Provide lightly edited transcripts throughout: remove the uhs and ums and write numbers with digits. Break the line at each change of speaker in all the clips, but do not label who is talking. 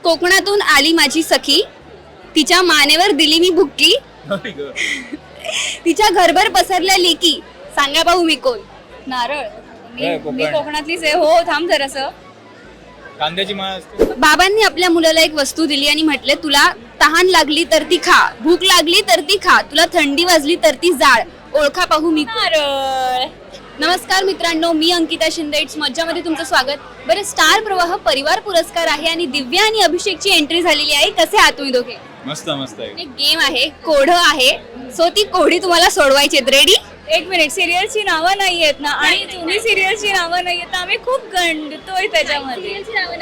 कोकणातून आली माझी सखी, तिच्या मानेवर दिली मी बुक्की, तिच्या घरभर पसरल्या लेकी, सांगा पाहू मी कोण.
नारळ.
होय,
मी
कोकण.
कोकणातलीच आहे. हो, थांब जरासं.
कांद्याची माळ असते.
बाबांनी आपल्या मुलाला एक वस्तू दिली आणि म्हटले, तुला तहान लागली तर ती खा, भूक लागली तर ती खा, तुला थंडी वाजली तर ती जाळ, ओळखा पाहू मी कोण.
नारळ.
नमस्कार मित्रांनो, मी अंकिता शिंदे. इट्स मज्जामध्ये तुमचं स्वागत. बरं, स्टार प्रवाह परिवार पुरस्कार आहे आणि दिव्या आणि अभिषेकची एंट्री झालेली आहे. कसे आहात तुम्ही दोघे?
मस्त मस्त आहे.
एक गेम आहे, कोढं आहे, सो ती कोढी तुम्हाला सोडवायची आहेत. रेडी?
एक मिनिट, सिरियलची नावं नाही आहेत ना? आणि तुम्ही सिरियलची नावं नाही आहेत, आम्ही खूप गंडतोय त्याच्यामध्ये.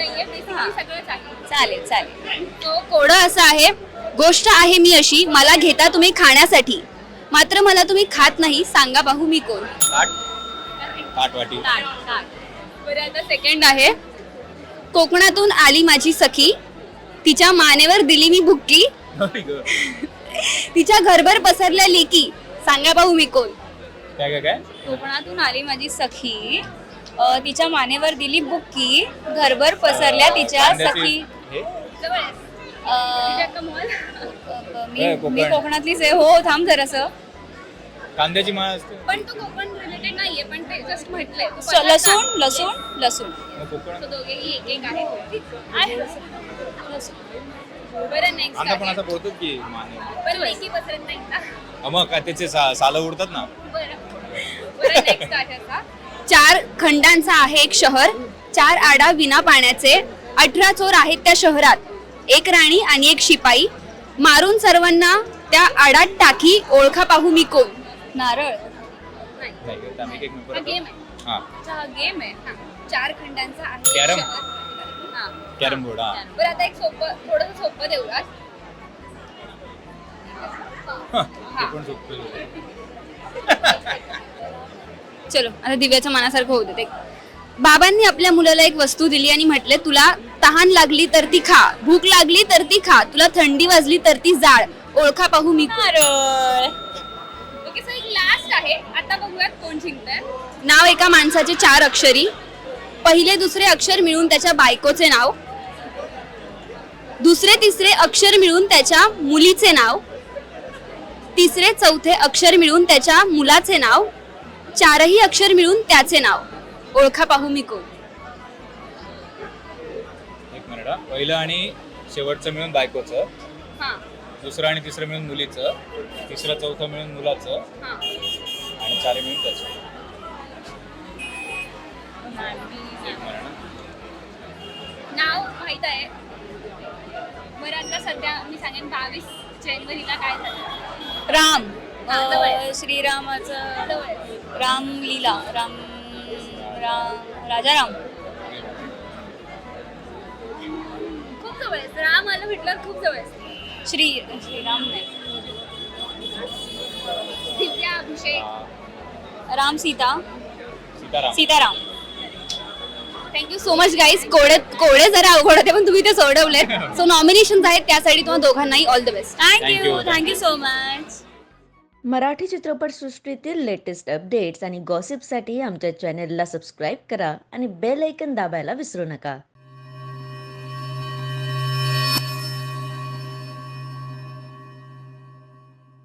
चालेल चालेल.
तो कोढं असं आहे, गोष्ट आहे मी अशी, मला घेता तुम्ही खाण्यासाठी, मात्र मला तुम्ही खात नाही, सांगा पाहू मी कोण.
ताटवाटी.
बरं, आता सेकंड आहे, कोकणातून आली माझी सखी, तिच्या मानेवर दिली मी बुक्की, तिच्या घरभर पसरल्या लेकी, सांगा पाहू मी कोण.
काय काय काय
कोकणातून आली माझी सखी, तिच्या मानेवर दिली बुक्की, घरभर पसरल्या तिच्या
कांद्याची-
सखी.
हे?
मी
कोकण.
कोकणातलीच आहे. हो, थांब जरासं.
कांद्याची माळ असते.
पण तो कोकण रिलेटेड नाहीये, पण ते जस्ट म्हटलंय.
लसूण लसूण लसूण.
मग कोकण.
दोघेही एक एक आहे. बरं, नेक्स्ट
आता पण असं बोलतो की माने.
पण लेकी पसरत नाही का?
मग काय त्याचे सालं उडतात ना.
बरं, नेक्स्ट आहे आता. 4 खंडांचा आहे एक शहर, 4 आडा विना पाण्याचे, 18 चोर आहेत त्या शहरात, एक राणी आणि एक शिपाई, मारून सर्वांना त्या आडात टाकी, ओळखा पाहू मी कोण.
नारळ.
नाही का? आम्ही एक मिनिट
हा
परत.
गेम आहे.
हा.
अच्छा, हा गेम आहे.
4 खंडांचा आहे एक
कॅरम?
शहर. हा.
Carrom board. हा.
बरं, आता एक सोपं, थोडंसं सोपं देऊयात.
ते पण सोपं.
चलो, आता दिव्याच्या मनासारखं होऊ दे. बाबांनी आपल्या मुलाला एक वस्तू दिली आणि म्हटले, तुला तहान लागली तर ती खा, भूक लागली तर ती खा, तुला थंडी वाजली तर ती जाळ, ओळखा पाहू मी कोण.
नारळ.
ओके, सो एक लास्ट आहे. आता बघूयात कोण जिंकतंय. नाव एका माणसाचे 4 अक्षरी, पहिले दुसरे अक्षर मिळून त्याच्या बायकोचे नाव, दुसरे तिसरे अक्षर मिळून त्याच्या मुलीचे नाव, तिसरे चौथे अक्षर मिळून त्याच्या मुलाचे नाव, 4ही अक्षर मिळून त्याचे नाव, ओळखा पाहू मी कोण.
एक मिनिट हा. पहिलं आणि शेवटचं मिळून बायकोचं, दुसरं आणि तिसरं मिळून मुलीचं, तिसरं चौथं मिळून मुलाचं, आणि 4 मिळून त्याचं. एक मिनिट हा.
नाव माहित आहे. बरं, आता सध्या मी सांगेन 22 जानेवारीला काय झालं.
राम.
जवळ.
श्रीरामाचं रामलीला. राम राम राजाराम.
खूप जवळ आहे. राम आलं म्हटलं खूप जवळ आहे.
श्रीराम नाही.
दिव्या, अभिषेक.
हा.
Ram Sita.
Sitaram.
Sitaram.
Thank you so much guys. कोडे जरा अवघड होते, पण तुम्ही ते सोडवले. सो नॉमिनेशन आहेत, त्यासाठी तुम्हाला दोघांनाही all the best.
Thank you.
Thank you.
Thank you so much.
Marathi चित्रपटसृष्टीतील लेटेस्ट अपडेट्स आणि गॉसिपसाठी आमच्या चॅनेलला सबस्क्राईब करा आणि बेल ऐकन दाबायला विसरू नका.